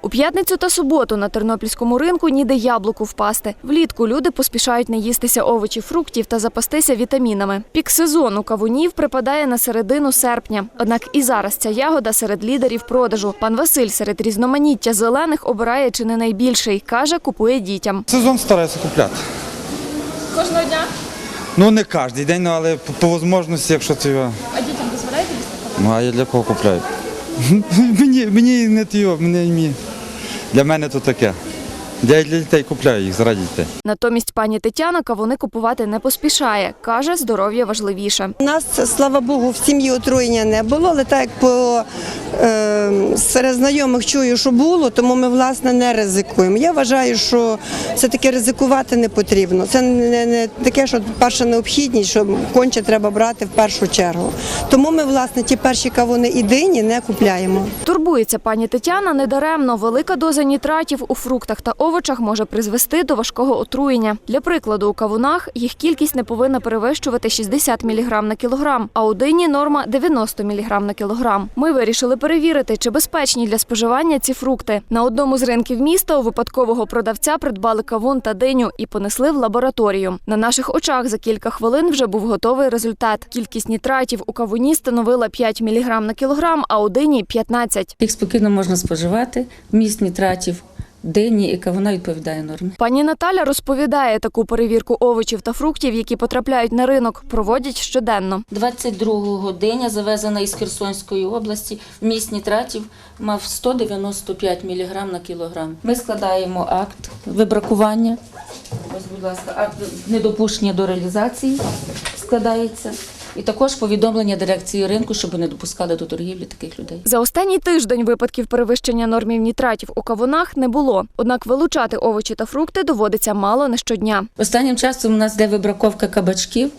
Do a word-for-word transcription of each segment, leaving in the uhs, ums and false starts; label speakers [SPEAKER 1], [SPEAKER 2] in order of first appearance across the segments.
[SPEAKER 1] У п'ятницю та суботу на тернопільському ринку ніде яблуку впасти. Влітку люди поспішають наїстися овочів, фруктів та запастися вітамінами. Пік сезону кавунів припадає на середину серпня. Однак і зараз ця ягода серед лідерів продажу. Пан Василь серед різноманіття зелених обирає чи не найбільший. Каже, купує дітям.
[SPEAKER 2] Сезон стараюся купляти.
[SPEAKER 1] Кожного дня?
[SPEAKER 2] Ну не кожен день, але по, по можливості, якщо це його.
[SPEAKER 1] А дітям дозволяєте їсти кавун?
[SPEAKER 2] Ну а я для кого купляю? мені, мені не тіо, мені, для мене то таке. Я для дітей купляю їх, заради дітей.
[SPEAKER 1] Натомість пані Тетяна кавуни купувати не поспішає. Каже, здоров'я важливіше.
[SPEAKER 3] У нас, слава Богу, в сім'ї отруєння не було, але так як по, е, серед знайомих чую, що було, тому ми, власне, не ризикуємо. Я вважаю, що все-таки ризикувати не потрібно. Це не, не таке, що перша необхідність, що конче треба брати в першу чергу. Тому ми, власне, ті перші кавуни і дині не купляємо.
[SPEAKER 1] Турбується пані Тетяна недаремно. Велика доза нітратів у фруктах та овочах може призвести до важкого отруєння. Для прикладу, у кавунах їх кількість не повинна перевищувати шістдесят міліграм на кілограм, а у дині норма дев'яносто міліграм на кілограм. Ми вирішили перевірити, чи безпечні для споживання ці фрукти. На одному з ринків міста у випадкового продавця придбали кавун та диню і понесли в лабораторію. На наших очах за кілька хвилин вже був готовий результат. Кількість нітратів у кавуні становила п'ять міліграм на кілограм, а у дині – п'ятнадцять.
[SPEAKER 4] Їх спокійно можна споживати, вміст нітратів дині і кавуна відповідає нормі.
[SPEAKER 1] Пані Наталя розповідає, таку перевірку овочів та фруктів, які потрапляють на ринок, проводять щоденно.
[SPEAKER 4] двадцять другого диня, завезена із Херсонської області, вміст нітратів мав сто дев'яносто п'ять міліграм на кілограм. Ми складаємо акт вибракування, ось, будь ласка, акт недопущення до реалізації складається. І також повідомлення дирекції ринку, щоб не допускали до торгівлі таких людей.
[SPEAKER 1] За останній тиждень випадків перевищення нормів нітратів у кавунах не було. Однак вилучати овочі та фрукти доводиться мало не щодня.
[SPEAKER 4] Останнім часом у нас йде вибраковка кабачків,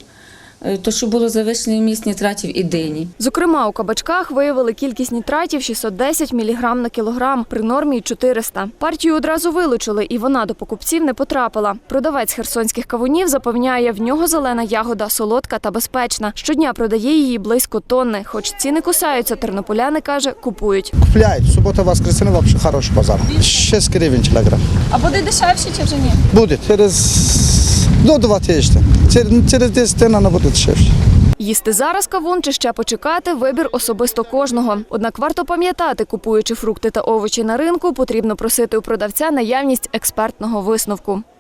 [SPEAKER 4] то що було завищений вміст нітратів і дині.
[SPEAKER 1] Зокрема, у кабачках виявили кількість нітратів шістсот десять міліграм на кілограм, при нормі чотириста. Партію одразу вилучили, і вона до покупців не потрапила. Продавець херсонських кавунів запевняє, в нього зелена ягода солодка та безпечна. Щодня продає її близько тонни. Хоч ціни кусаються, тернополяни, каже, купують.
[SPEAKER 5] Купляють. Субота, воскресенье, взагалі хороший базар. шість гривень кілограм.
[SPEAKER 1] А буде дешевше чи вже ні?
[SPEAKER 5] Буде. Через до два тижні. Через десять днів вона буде дешевше.
[SPEAKER 1] Їсти зараз кавун чи ще почекати – вибір особисто кожного. Однак варто пам'ятати, купуючи фрукти та овочі на ринку, потрібно просити у продавця наявність експертного висновку.